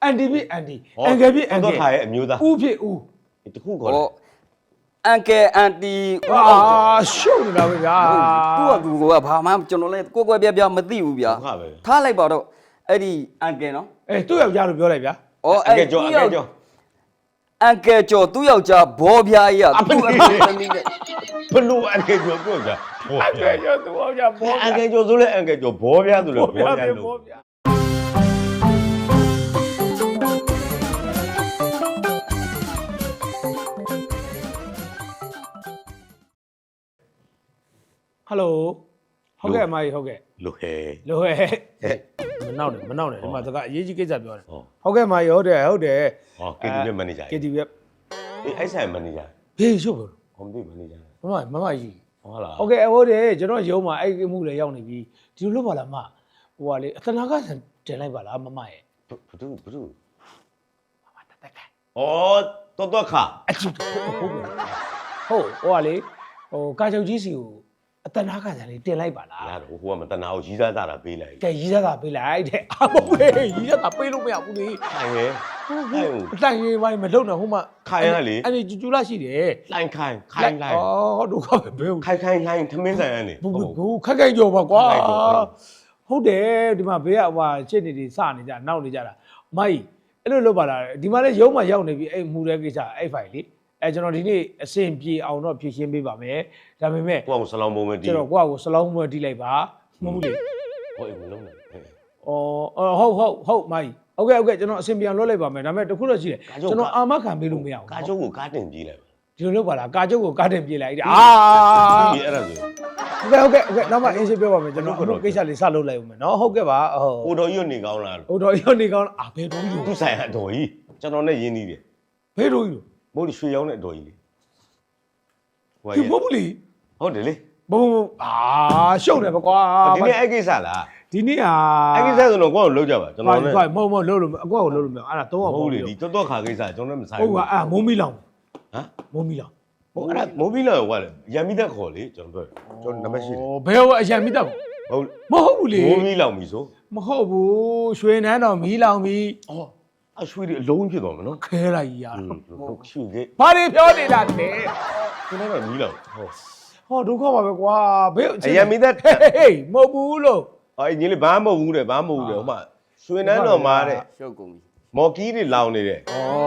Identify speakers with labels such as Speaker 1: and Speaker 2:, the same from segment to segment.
Speaker 1: anti ဖြစ် anti အန်ကယ်ဖြစ်အန်ကယ်
Speaker 2: တော့ခါရဲ့အမျိုးသား
Speaker 1: ဦးဖြစ်ဦး
Speaker 2: တခုခေါ်တယ်
Speaker 3: အန်ကယ်အန်တီ
Speaker 1: အာရှုပ်နေတာပဲဗျာ
Speaker 3: သူကဘာမှကျွန်တော်လည်းကိုယ်ကွယ်ပြပြမသိဘူးဗျာထားလိုက်ပါတော့အဲ့ဒီအန်ကယ်နော်
Speaker 1: အေးသူ့ယောက်ျားလို့ပြောလိုက်ဗျာ
Speaker 2: အကဲကျော်အကဲကျော်
Speaker 3: အန်ကယ်ကျော်သူ့ယောက်ျားဘောပြားကြီးကသူ့အမေသမီးနဲ့
Speaker 2: ဘလို့အကဲကျော်ပြောကြ
Speaker 1: အန်ကယ်ကျော်သူ့ယောက်ျားဘော
Speaker 2: အကဲကျော်ဆိုလဲအကဲကျော်ဘောပြားဆိုလဲဘောပြားလို့
Speaker 1: ဘောဗျာဟယ်လိုဟုတ်ကဲ့အမကြီးဟုတ်ကဲ့
Speaker 2: လို့ဟဲ
Speaker 1: လို့ဟဲ့မနောက်နဲ့ဒီမှာတကအရေးကြီးကိစ္စပြောတယ်ဟုတ်ကဲ့အမကြီးဟုတ်တယ်
Speaker 2: ဟော KTV မန်နေဂျာ
Speaker 1: KTV
Speaker 2: အေးအဲ့ဆိုင်မန်နေဂျာ
Speaker 1: ဘေးရှုပ်ဘူး
Speaker 2: ဟောမသိမန်နေဂျာ
Speaker 1: မမကြီး
Speaker 2: ဟုတ်လား
Speaker 1: ဟုတ်ကဲ့ဟုတ်တယ်ကျွန်တော်ရုံးမှာအဲ့ဒီမှုလည်းရောက်နေပြီဒီလိုလုပ်ပါလားမဟိုကလေအတနာကတင်လိုက်ပါလားမမရဲ့
Speaker 2: ဘသူ
Speaker 1: မမတက်တက်
Speaker 2: ဩတော့ခါ
Speaker 1: အချစ်ဟုတ်ဟိုကလေဟိုကာချုပ်ကြီးစီကိုအတနာကလေးတင်လိုက်ပါလား
Speaker 2: လာတော့ဟိုကမတနာကိုရီးစားတာပေးလိုက်
Speaker 1: ကဲရီးစားတာပေးလိုက်တဲ့အာမဟုတ်ပဲရီးစားတာပေးလို့မရဘူးလေ
Speaker 2: ခိုင်ရဲ့ခိုင်ဦး
Speaker 1: အတိုင်ရေးပိုင်းမလုံနဲ့ဟိုမှာ
Speaker 2: ခိုင်ရလေ
Speaker 1: အဲ့ဒီကျူလာရှိတယ်
Speaker 2: လိုင်းခိုင်လိုင်း
Speaker 1: ဩဒုက္ခပဲဘယ်
Speaker 2: ခိုင်လိုင်းထမင်းဆိုင်ရနေ
Speaker 1: ဘူးခက်ခဲကြောပါကွာဟုတ်တယ်ဒီမှာဘေးကဟိုချစ်နေတွေစနေကြနောက်နေကြတာမိုက်အဲ့လိုလုပ်ပါလားဒီမှာလည်းရုံးမှာရောက်နေပြီအဲ့မှုတဲ့ကိစ္စအဲ့ဖိုင်လေအဲ့ကျွန်တော်ဒီနေ့အဆင်ပြေအောင်တော့ဖြည့်ရှင်းပေးပါမယ်ဒါပေမဲ့
Speaker 2: ကိုကဆလောင်းပုံပဲတီး
Speaker 1: ကျွန်တော်ကိုယ့်ကိုစလုံးမွေးတီးလိုက်ပါမဟုတ်ဘူးလေ
Speaker 2: ဟိုအိမ်မလုံးနဲ့
Speaker 1: ဟုတ်မိုက်ဟုတ်ကဲ့ကျွန်တော်အဆင်ပြေအောင်လုပ်လိုက်ပါမယ်ဒါပေမဲ့တခုတော့ရှိတယ်ကျွန်တော်အာမခံပေးလို့မရဘူး
Speaker 2: ကာကျုပ်ကိုကားတင်ပြေးလိုက်
Speaker 1: ဒီလိုလုပ်ပါလားကာကျုပ်ကိုကားတင်ပြေးလိုက်အာ
Speaker 2: ဒီအဲ့ဒါဆို
Speaker 1: ဟုတ်ကဲ့နောက်မှအင်းရှင်းပြောပါမယ်ကျွန်တော်အခုကိစ္စလေးစလုပ်လိုက်ဦးမယ်နော်ဟုတ်ကဲ့ပါဟုတ်
Speaker 2: ဟိုတော်ကြီးနေကောင်းလား
Speaker 1: ဟိုတော့ရောနေကောင်းအာဘယ်တော့ယူ
Speaker 2: သူ့ဆိုင်အတော်ကြီးကျွန်တော်နဲ့ရင်းနှီးတယ်
Speaker 1: ဘယ်တော့ယူ
Speaker 2: မို့ရွှေရောင်းတဲ့အတော်ကြီးလေဟို
Speaker 1: ဒီမဟုတ်ဘူးလေ
Speaker 2: ဟုတ်တယ်လေ
Speaker 1: ဘုံအာရှုပ်တယ်ပကွာ
Speaker 2: ဒီနေ့အဲ့ကိစ္စလား
Speaker 1: ဒီနေ့ဟာ
Speaker 2: အဲ့ကိစ္စဆိုတော့ကိုယ့်ကိုလုံးကြပါကျွန်တော်နဲ့
Speaker 1: မဟုတ်လို့လို့အကွက်ကိုလို့လို့မအဲ့ဒါတော့
Speaker 2: ဟုတ်လေဒီတော်ခါကိစ္စကျွန်တော်လည်းမဆိုင်
Speaker 1: ဟုတ်ကအာမုံမီလောင်
Speaker 2: ဟမ်
Speaker 1: မုံမီလောင်
Speaker 2: ဟိုအဲ့ဒါမိုးဘီလာကလည်းရံမိသက်ခေါ်လေကျွန်တော်ပြောကျွန်တော်နံပါတ်ရှိတယ်
Speaker 1: ဘယ်ဟိုအရန်မိတော့
Speaker 2: ဟုတ်
Speaker 1: မဟုတ်ဘူးလေ
Speaker 2: မိုးဘီလောင်ပြီဆို
Speaker 1: မဟုတ်ဘူးရွှေနန်းတော်မီလောင်ပြီ
Speaker 2: အော်အရွှေတွေအလုံးဖြစ်သွားမယ်နော်
Speaker 1: ခဲလိုက်ကြီးရ
Speaker 2: ဟုတ်ရှုခဲ့
Speaker 1: ဘာတွေပြောနေတာလဲ
Speaker 2: ကျွန်တော်ကမီလောင်ဟုတ်
Speaker 1: ဟောဒုက္ခပါပဲကွာဘယ်
Speaker 2: အရံမိသက်
Speaker 1: ဟေးမဟုတ်ဘူးလို့
Speaker 2: အော်ညီလေးဘာမှမဟုတ်ဘူးတဲ့ဘာမှမဟုတ်ဘူးတဲ့ဟိုမှာရွှေနန်းတော်မှာတဲ့
Speaker 3: ရှုပ်ကုန်ပြီ
Speaker 2: မော်ကီးတွေလောင်နေတဲ့
Speaker 1: ဩ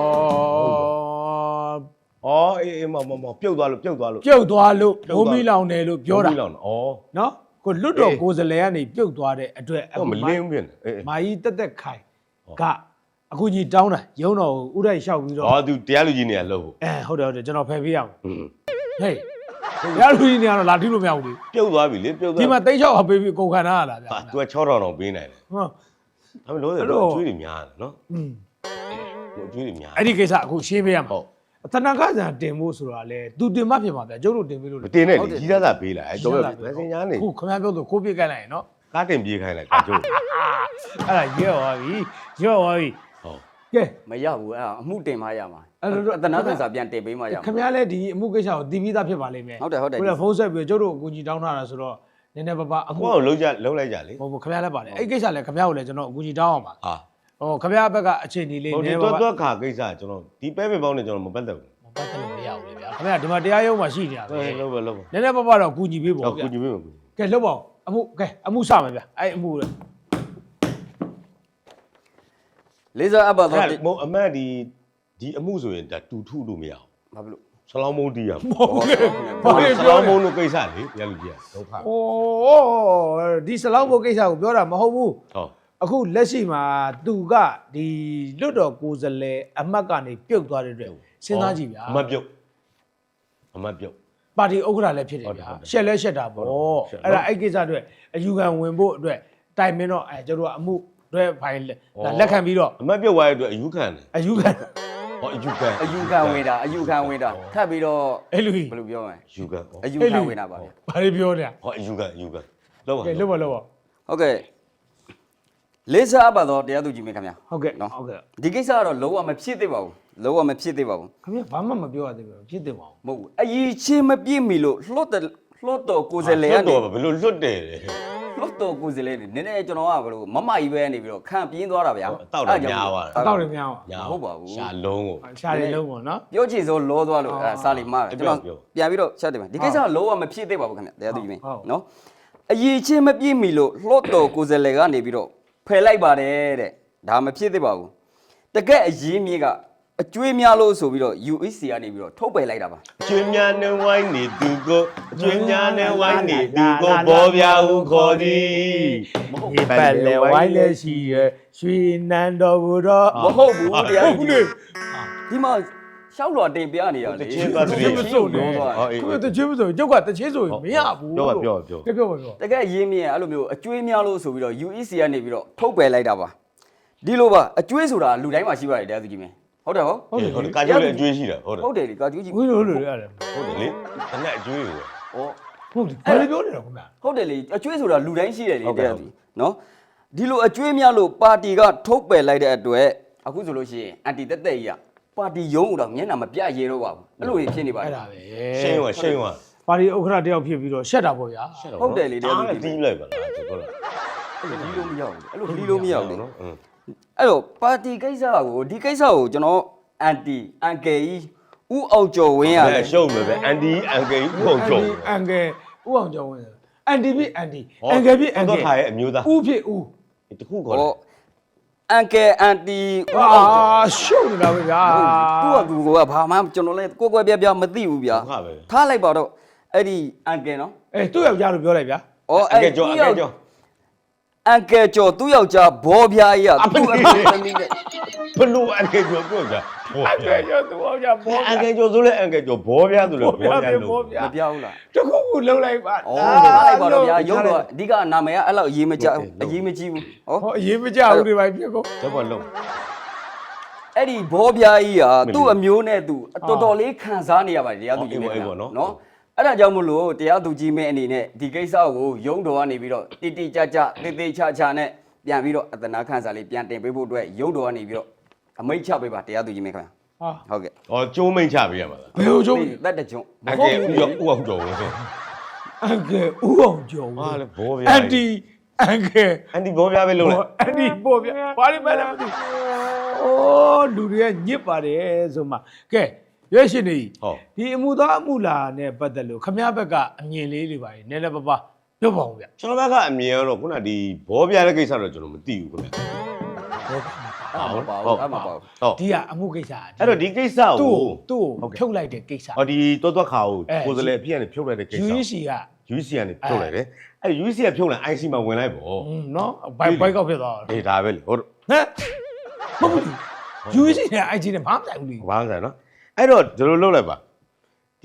Speaker 2: အော်အေးမပြုတ်သွားလို့
Speaker 1: ပြုတ်သွားလို့မုံမီလောင်တယ်လို့ပြောတာ
Speaker 2: မိုးဘီလောင်အော်
Speaker 1: နော်ကိုလွတ်တော်ကိုယ်စလဲကနေပြုတ်သွားတဲ့အတွက်
Speaker 2: ဟောမလင်းဘူးဖြစ်နေအေး
Speaker 1: မာကြီးတက်ခိုင်ကအခုကြီးတောင်းတာရုံတော်ကိုဥရိုက်လျှောက်ပြီးတော့
Speaker 2: အော်သူတရားလူကြီးနေရလို့
Speaker 1: ဟုတ်တယ်ကျွန်တော်ဖယ်ပေးရအောင်
Speaker 2: ဟွန်း
Speaker 1: ဟေးရလူကြီးနေရတော့လာထိလို့မရဘူးလေ
Speaker 2: ပြုတ်သွားပြီလေပြုတ်သွား
Speaker 1: ဒီမှာတိတ်ချောက်အပေးပြီးကုန်ခံရတာဗျာ
Speaker 2: သူက6000တောင်ပေးနိုင်တယ်
Speaker 1: ဟော
Speaker 2: ဒါပေမဲ့လို့တော့ကျွေးတွေများတယ်နော်
Speaker 1: อืม
Speaker 2: ဟိုကျွေးတွေများ
Speaker 1: အဲ့ဒီကိစ္စအခုရှင်းပေးရမှာ
Speaker 2: ဟုတ်
Speaker 1: အတနာကဆန်တင်ဖို့ဆိုတာလေသူတင်မှဖြစ်မှာဗျာကျုပ်တို့တင်ပေးလို့
Speaker 2: မတင်နဲ့လေကြီးသားသာပေးလိုက်အဲ့တော့မစင်ညာနေ
Speaker 1: ခုခင်ဗျားပြောလို့ကိုပြစ်ကြိုက်လိုက်ရင်နော်
Speaker 2: ကားတင်ပြေးခိုင်းလိုက်ကကျုပ်
Speaker 1: အဲ့ဒါရွသွားပြီဟုတ် ကဲ
Speaker 3: မရဘူးအဲ့အမှုတင်မှရမှာ
Speaker 1: အဲ့လို
Speaker 3: အတနာသင်္စာပြန်တင်ပေးမှရမှာ
Speaker 1: ခင်ဗျားလည်းဒီအမှုကိစ္စကိုတည်ပြီးသားဖြစ်ပါလိမ့်မယ်
Speaker 3: ဟုတ်တယ်
Speaker 1: ခုနဖုန်းဆက်ပြီးကျုပ်တို့အကူကြီးတောင်းထားတာဆိုတော့နည်းနည်းပါးပါအခု
Speaker 2: ကိုယ်လုံးလိုက်ကြလေ
Speaker 1: ဟိုခင်ဗျားလည်းပါတယ်အဲ့ကိစ္စလည်းခင်ဗျားကိုလည်းကျွန်တော်အကူကြီးတောင်းအောင်ပါ
Speaker 2: ဟာ
Speaker 1: ဟိုခင်ဗျားဘက်ကအခြေအနေလေး
Speaker 2: ဟို
Speaker 1: န
Speaker 2: ဒီ
Speaker 1: ည်းပါးပါ
Speaker 2: တော့ခါကိစ္စကျွန်တော်ဒီပဲပင်ပေါင်းနဲ့ကျွန်တော်မပတ်သက်ဘူး
Speaker 1: မပတ်သက်လို့မရဘူးလေဗျာခင်ဗျားဒီမှာတရားရုံးမှာရှိနေတာပဲ
Speaker 2: လုံးပဲလုံးပဲ
Speaker 1: နည်းနည်းပါးပါတော့အကူကြီးပေးပေါ့
Speaker 2: တော့
Speaker 1: ဗျာ
Speaker 2: ကုညီပေးမယ်ကု
Speaker 1: ကဲလှုပ်ပါအောင်အမှုစမယ်ဗျာအဲ့အမှုလေ
Speaker 3: လေးစားအပ်ပါတော့
Speaker 2: အဲ့မအမတ်ဒီအမှုဆိုရင်ဒါတူထုလို့မရအောင်
Speaker 3: ဘာဖြစ်လို့
Speaker 2: ဆလောင်းမုံတီးရမှာ
Speaker 1: ဟုတ်ကဲ့ဘာလဲ
Speaker 2: ဆ
Speaker 1: ပြော
Speaker 2: လောင်းမုံ
Speaker 1: လဲ
Speaker 2: တို့ကိစ္စလေတရားလူကြီးကဒုက္ခ
Speaker 1: โอ้ဒီစလောက်ဖို့ကိစ္စကိုပြောတာမဟုတ်ဘူး
Speaker 2: ဟုတ်
Speaker 1: အခုလက်ရှိမှာသူကဒီလွတ်တော်ကိုယ်စားလှယ်အမတ်ကနေပြုတ်သွားတဲ့အတွက်စဉ်းစားကြည့်ဗျာ
Speaker 2: အမတ်ပြုတ်
Speaker 1: ပါတီဥက္ကဋ္ဌလည်းဖြစ်တယ်ဗျာရှက်လဲရှက်တာပေါ့အဲ့ဒါအဲ့ကိစ္စအတွက်အယူခံဝင်ဖို့အတွက်တိုင်မင်းတော့ကျတို့ကအမှုတွေဖိုင်လက်ခံပြီးတော့
Speaker 2: အမတ်ပြုတ်သွားတဲ့အတွက်အယူခံတယ်
Speaker 1: အယူခံ
Speaker 2: ဟောအယူခံ
Speaker 3: အယူခံဝင်တာထပ်ပြီးတော့
Speaker 1: အဲ့လိုကြီး
Speaker 3: ဘယ်လိုပြောမလဲ
Speaker 2: အယူခံ
Speaker 3: အယူခံဝင်တာပါဗျာ
Speaker 1: ဘာတွေပြောနေလဲ
Speaker 2: ဟောအယူခံလောက်ပါ
Speaker 1: ကဲလှုပ်ပါလှုပ်ပါ
Speaker 3: ဟုတ်ကဲ့လေးစားအပ်ပါတော့တရားသူကြီးမင်းခင်ဗျာ
Speaker 1: ဟုတ်ကဲ့
Speaker 3: နော်
Speaker 1: ဟုတ်ကဲ့
Speaker 3: ဒီကိစ္စကတော့လုံးဝမဖြစ်သေးပါဘူးလုံးဝမဖြစ်သေးပါဘူး
Speaker 1: ခင်ဗျဘာမှမပြောရသေးဘူးဖြစ်တယ်ပါ
Speaker 3: မဟုတ်ဘူးအရေးချင်းမပြည့်မီလို့လှော့တော်ကိုယ်စားလှယ်ကနေ
Speaker 2: တော့ဘယ်လိုလွတ်တယ်လဲ
Speaker 1: ဟ
Speaker 3: လို့တော့ကိုစလဲနည်းနည်းကျွန်တော်ကဘလို့မမကြီးပဲနေပြီးတော့ခံပြင်းသွားတာဗျာ
Speaker 2: တောက်တော့များသွား
Speaker 1: အတော့လည်းများအောင်
Speaker 3: ဟုတ်ပါဘူး
Speaker 2: ရှာလုံးကို
Speaker 1: ရှားတယ်လုံးပေါ့နော်
Speaker 3: ပြောချင်စိုးလောသွားလို့စာလီမာကျွန်တော်ပြန်ပြီးတော့ချက်တယ်ဒီကိစ္စကလောကမဖြစ်သေးပါဘူးခင်ဗျတရားသူကြီးမင်းနော်အရေးချင်းမပြည့်မီလို့လှော့တော်ကိုစလဲကနေပြီးတော့ဖယ်လိုက်ပါတယ်တဲ့ဒါမဖြစ်သေးပါဘူးတကယ်အရေးမြေကအကျွေးများလို့ဆိုပြီးတော့ UEC ကနေပြီးတော့ထုတ်ပယ်လိုက်တာပါ
Speaker 2: ကျွေးများနဲ့ဝိုင်းနေသူကိုကျွေးများနဲ့ဝိုင်းနေသူကိုဘောပြဟုခေါ်သည်
Speaker 1: ဒီပတ်လေဝိုင်းလေရှိရရွှေနန်းတော်ဘူးတော့
Speaker 3: မဟုတ်ဘူးတရားသူကြီးဒီမှာရှောက်တော်တင်ပြနေရလေ
Speaker 1: ချင်းမစိုးနေခုတချင်းမစိုးကျုပ်ကတချင်းဆိုရင်မရဘူး
Speaker 2: ပြောပါ
Speaker 1: ပြောပါ
Speaker 3: တကယ်ရင်းမြစ်အဲ့လိုမျိုးအကျွေးများလို့ဆိုပြီးတော့ UEC ကနေပြီးတော့ထုတ်ပယ်လိုက်တာပါဒီလိုပါအကျွေးဆိုတာလူတိုင်းမှာရှိပါတယ်တရားသူကြီးမင်းဟုတ်တယ်ဟော
Speaker 2: ဟုတ်တယ်ကာကျိုးလည်းအကျွေးရှိတာဟုတ်တယ်
Speaker 3: ဟုတ်တယ်လေကာကျူးကြီး
Speaker 1: ဝင်းလို့ရတယ်
Speaker 2: ဟုတ်တယ်လေတနက်အကျွေးတွေ
Speaker 3: ဩ
Speaker 1: ဟုတ်တယ်ဘာလို့ပြောနေတော့ခင်ဗျာ
Speaker 3: ဟုတ်တယ်လေအကျွေးဆိုတာလူတိုင်းရှိတယ်လေတရားသူကြီးနော်ဒီလိုအကျွေးများလို့ပါတီကထုတ်ပယ်လိုက်တဲ့အတွက်အခုဆိုလို့ရှိရင်အန်တီတက်တက်ကြီးကပါတီရုံးတော့မျက်နှာမပြရဲတော့ပါဘူးအဲ့လိုဖြစ်နေပါတ
Speaker 1: အဲ့
Speaker 3: ယ်
Speaker 1: ဒါပဲ
Speaker 2: ရှင်းသွားရှင်းသွား
Speaker 1: ပါတီဥက္ခရာတယောက်ဖြစ်ပြီးတော့ရှက်တာပေါ့ဗျာ
Speaker 3: ဟုတ်တယ်လေတရားသူကြီး
Speaker 2: တီးလိုက်ပါလားဟုတ်လား
Speaker 3: အဲ့လိုဒီလိုမရဘူးအဲ့လိုဒီလိုမရဘူးလေ
Speaker 2: နော်
Speaker 3: အဲ့တော့ပါတီကိစ္စကိုဒီကိစ္စကိုကျွန်တော်အန်ကယ်ကြီးဦးအောင်ကျော်ဝင်းရ
Speaker 2: အဲ့ရှုံးမယ်ပဲအန်ဒီအန်ကယ်ဥအောင်ကျော်
Speaker 1: အန်ကယ်ဥအောင်ကျော်ဝင်အန်တီဖြစ်အန်တီအန်ကယ်ဖြစ်အန်က
Speaker 2: တော့
Speaker 1: ယ်
Speaker 2: ထားရဲ့အမျိုးသား
Speaker 1: ဥဖြစ်ဥ
Speaker 2: တခုခေါ်တယ်
Speaker 3: ဟောအန်ကယ်အန်တီဦး
Speaker 1: အာ
Speaker 3: အောင်ကျော်
Speaker 1: ရှုပ်နေတာပဲဗျာ
Speaker 3: သူကဘာမှကျွန်တော်လည်းကိုယ်ပြမသိဘူးဗျာ
Speaker 2: ဟုတ်ပါပဲ
Speaker 3: ထားလိုက်ပါတော့အဲ့ဒီအန်ကယ်နော်
Speaker 1: အဲသူ့ယောက်ျားလို့ပြောလိုက်ဗျာ
Speaker 3: ဩ
Speaker 2: အန်ကယ်ကျော်အန်ကယ်ကျော်
Speaker 3: အန်ကယ်ကျော်သူ့ယောက်ျားဘောပြားကြီးကသူ့အမေသမီးနဲ့
Speaker 2: ဘလို့အန်ကယ်ကျော်ပြောကြ
Speaker 1: အန်ကယ်ကျော်သူ့ယောက်ျားဘော
Speaker 2: အန်ကယ်ကျော်ဆိုလဲအန်ကယ်ကျော်ဘောပြားဆိုလဲဘောပြားလို့
Speaker 1: ဘောပြား
Speaker 3: မပြောဘူးလား
Speaker 1: တခုခုလှုပ်လိုက်ပါ
Speaker 3: ဩထားလိုက်ပါတော့ဗျာရုပ်တော့အဓိကနာမည်ကအဲ့လောက်အရေးမကြအရေးမကြီးဘူးဟော
Speaker 1: ဟောအရေးမကြဘူးတွေပါဖြစ်ကုန်
Speaker 2: တော့ဘာလုံး
Speaker 3: အဲ့ဒီဘောပြားကြီးကသူ့အမျိုးနဲ့သူတော်တော်လေးခံစားနေရပါတယ်တရားသူကြီးနဲ့နော်အဲ့ဒါကြောင့်မလို့တရားသူကြီးမင်းအနေနဲ့ဒီကိစ္စကိုရုံးတော်ကနေပြီးတော့တိတိကျကျတေးသေးချာချာနဲ့ပြန်ပြီးတော့အတနာခန့်စာလေးပြန်တင်ပေးဖို့အတွက်ရုံးတော်ကနေပြီးတော့အမိတ်ချပေးပါတရားသူကြီးမင်းခင်ဗျာ
Speaker 1: ဟာ
Speaker 3: ဟုတ်ကဲ့
Speaker 2: ဩကျိုးမိန်ချပေးရမှာလား
Speaker 1: ဘယ်လိုကျုံ
Speaker 3: တက်တကြုံ
Speaker 2: အန်ကယ်ဥအောင်ကျော်ဝင်
Speaker 1: အန်ကယ်ဥအောင်ကျော်
Speaker 2: ဟာလေဘောပြား
Speaker 1: အန်တီအန်ကယ်
Speaker 2: အန်ဒီဘောပြားပဲလုံးလိုက်
Speaker 1: အန်တီဘောဗျာဘာလို့ပဲလဲမသိအိုးလူတွေကညစ်ပါတယ်ဆိုမှကဲရွေးရှင်နေ
Speaker 2: ဟုတ်
Speaker 1: ဒီအမှုသားအမှုလာနဲ့ပတ်သက်လို့ခမရဘက်ကအမြင်လေးတွေပါနည်းနည်းပါးပါပြောပါဦးဗျ
Speaker 2: ကျွန်တော်ဘက်ကအမြင်ကတော့ခုနဒီဘောပြားတဲ့ကိစ္စတော့ကျွန်တော်မသိဘူးခင်ဗျ
Speaker 3: အဲ့မပါဘူးအဲ့မပါဘူး
Speaker 2: ဟုတ်
Speaker 1: ဒီကအမှုကိစ္စ
Speaker 2: အဲ့တော့ဒီကိစ္စ
Speaker 1: သူ့
Speaker 2: ကို
Speaker 1: သူ့ကိုဖြုတ်လိုက်တဲ့ကိစ္စ
Speaker 2: ဟောဒီတောတွက်ခါကိုကိုယ်စလဲအပြည့်ကနေဖြုတ်လိုက်တဲ့ကိစ္စ
Speaker 1: UEC က
Speaker 2: UEC ကနေဖြုတ်လိုက်တယ်အဲ့ UEC ကဖြုတ်လိုက် IC မှာဝင်လိုက်ပေါ့
Speaker 1: နော်ဘိုက်ကောက်ဖြစ်သွားတာ
Speaker 2: အေးဒါပဲလေဟုတ်
Speaker 1: ဟမ်မဟုတ်ဘူး UEC နဲ့ IG နဲ့ဘာမှမဆိုင်ဘူးလေ
Speaker 2: ဘာမှမဆိုင်နော်အဲ့တော့ဒီလိုလုပ်လိုက်ပါဒီ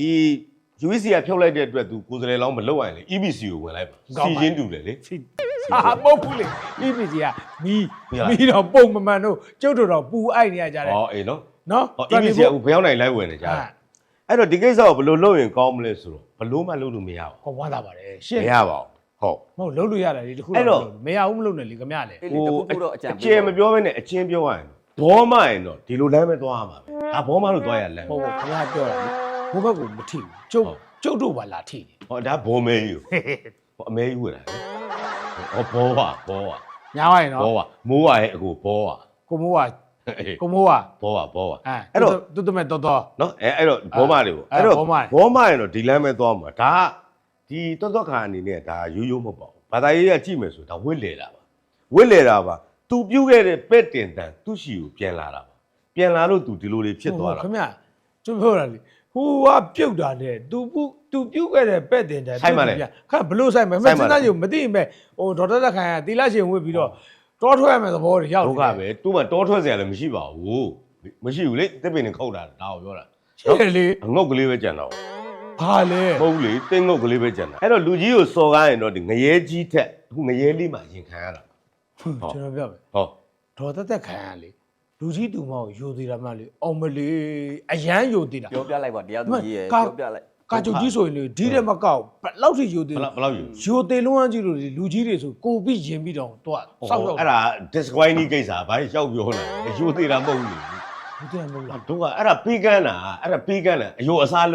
Speaker 2: UEC ကဖြုတ်လိုက်တဲ့အတွက်သူကိုယ်စလဲလောင်းမလုပ်ရရင်လေ EBC ကိုဝင်လိုက်ပါစီချင်းတူတယ်လေ
Speaker 1: ဟာမဟုတ်ဘူးလေ EPC ကမီးတော့ပုံမမှန်တော့ကျုပ်တို့တော့ပူအိုက်နေရကြတယ်
Speaker 2: ဟောအေးနော်
Speaker 1: နော်
Speaker 2: ဟော EBC ကဘယ်ရောက်နိုင်လိုက်ဝင်နေကြတယ်အဲ့တော့ဒီကိစ္စကိုဘယ်လိုလုပ်ရင်ကောင်းမလဲဆိုတော့ဘယ်လိုမှလုပ်လို့မရဘူး
Speaker 1: ဟောဝမ်းသာပါတယ်ရှင်း
Speaker 2: မရပါဘူးဟုတ်
Speaker 1: မဟုတ်လုံးလို့ရတယ်လေတခု
Speaker 2: အဲ့တော့
Speaker 1: မရဘူးမလုပ်နဲ့လေခမရလေ
Speaker 3: အဲ့ဒီတခုခုတော့အကြံ
Speaker 2: အကျယ်မပြောဘဲနဲ့အချင်းပြောရရင်ဘောမရင်တော့ဒီလိုလမ်းပဲသွားရမှာပဲဒါဘောမလို့သွားရလမ်း
Speaker 1: ဟုတ်ဟုတ်ခမရပြောတာလေဘိုးဘက်ကမထိဘူးကျုပ်တို့ပါလာထိတယ်
Speaker 2: ဟောဒါဘောမဲကြီးဟောအမဲကြီးဝယ်တာဟောဘောပါဘောပါ
Speaker 1: ညာဝိုင်းနော်
Speaker 2: ဘောပါမိုးရရဲ့အကိုဘောပါ
Speaker 1: ကိုမိုးက
Speaker 2: အေး
Speaker 1: ကိုမိုးက
Speaker 2: ဘောပါဘောပါ
Speaker 1: အဲ့တော့တူတူမဲ့တော်တော်
Speaker 2: နော်အဲ့တော့ဘောမတွေပေါ့
Speaker 1: အဲ့
Speaker 2: အဲ့
Speaker 1: တော့
Speaker 2: တော့
Speaker 1: ဘောမတွေ
Speaker 2: ဘောမရင်တော့ဒီလမ်းပဲသွားမှာဒါကဒီတော်ခါအနေနဲ့ဒါရိုးရိုးမဟုတ်ပါဘူးဘာသာရေးကကြည့်မယ်ဆိုဒါဝစ်လေတာပါဝစ်လေတာပါသူပြုတ်ခဲ့တဲ့ပဲ့တင်တန်သူ့ရှီကိုပြန်လာတာပါပြန်လာလို့သူဒီလိုတွေဖြစ်သွားတာ
Speaker 1: ခမရကျုပ်ပြောတာလေဟိုကပြုတ်တာနဲ့သူပြုတ်ခဲ့တဲ့ပဲ့တင်တယ်ခါဘလို့ဆိုင်မယ်မစနာရုံမသိရင်ပဲဟိုဒေါက်တာတက်ခိုင်ကတီလာရှင်ဝစ်ပြီးတော့တောထွက်ရမယ်သဘောတွေရောက်
Speaker 2: ဒုက္ခပဲသူ့မှာတောထွက်စရာလည်းမရှိပါဘူးမရှိဘူးလေတစ်ပင်နဲ့ခုတ်တာဒါကိုပြောတာ
Speaker 1: ရှင်းလေ
Speaker 2: အငုတ်ကလေးပဲကြံတော့
Speaker 1: ဘာလဲ
Speaker 2: မဟုတ်လေတင်းငုတ်ကလေးပဲကြံတာအဲ့တော့လူကြီးကိုစော်ကားရင်တော့ဒီငရဲကြီးထက်အခုငရဲလေးမှရင်ခံရတာ
Speaker 1: ကျွန်တော်ပြောမယ်
Speaker 2: ဟော
Speaker 1: ဒေါ်တက်ခိုင်ကလေလူကြီးတူမောက်ယိုသေးတာမှလေအောင်မလေးအရန်ယိုသေးတာ
Speaker 3: ပြောပြလိုက်ပါတရားသူကြီးရဲ့ပြောပြလိုက်
Speaker 1: ကာချုပ်ကြီးဆိုရင်လေဒီတဲ့မကောက်ဘယ်လောက်ထိယိုသေး
Speaker 2: ဘယ်လောက်ယူ
Speaker 1: ယိုသေးလုံးဝကြီးလို့လူကြီးတွေဆိုကိုပြီးရင်ပြီးတော့တော့စောက်တော့
Speaker 2: အဲ့ဒါ disqualify ကိစ္စဘာရောက်ပြောလာအယိုသေးတာမဟုတ်ဘူးလေ
Speaker 1: ဘူးတဲ့မဟုတ်လား
Speaker 2: တို့ကအဲ့ဒါပေးကန်းတာအဲ့ဒါပေးကန်းတာအယိုအစားလုပ်တာ